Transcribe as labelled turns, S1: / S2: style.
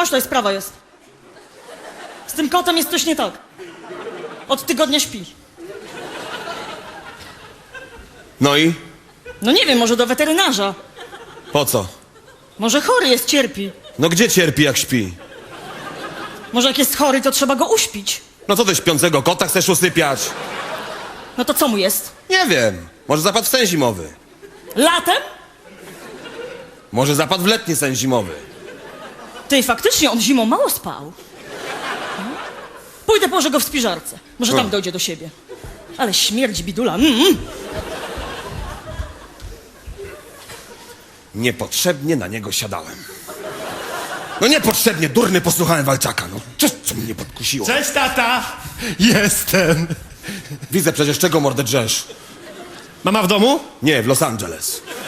S1: tutaj sprawa jest? Z tym kotem jest coś nie tak. Od tygodnia śpi.
S2: No i?
S1: No nie wiem, może do weterynarza.
S2: Po co?
S1: Może chory jest, cierpi.
S2: No gdzie cierpi, jak śpi?
S1: Może jak jest chory, to trzeba go uśpić.
S2: No co ty śpiącego kota chcesz usypiać?
S1: No to co mu jest?
S2: Nie wiem. Może zapadł w sen zimowy.
S1: Latem?
S2: Może zapadł w letni sen zimowy.
S1: Ty, faktycznie, on zimą mało spał. Pójdę, położę go w spiżarce. Może tam dojdzie do siebie. Ale śmierdzi bidula.
S2: Niepotrzebnie na niego siadałem. No niepotrzebnie, durny, posłuchałem Walczaka. No co mnie podkusiło?
S3: Cześć, tata! Jestem.
S2: Widzę przecież, czego mordę drzesz.
S3: Mama w domu?
S2: Nie, w Los Angeles.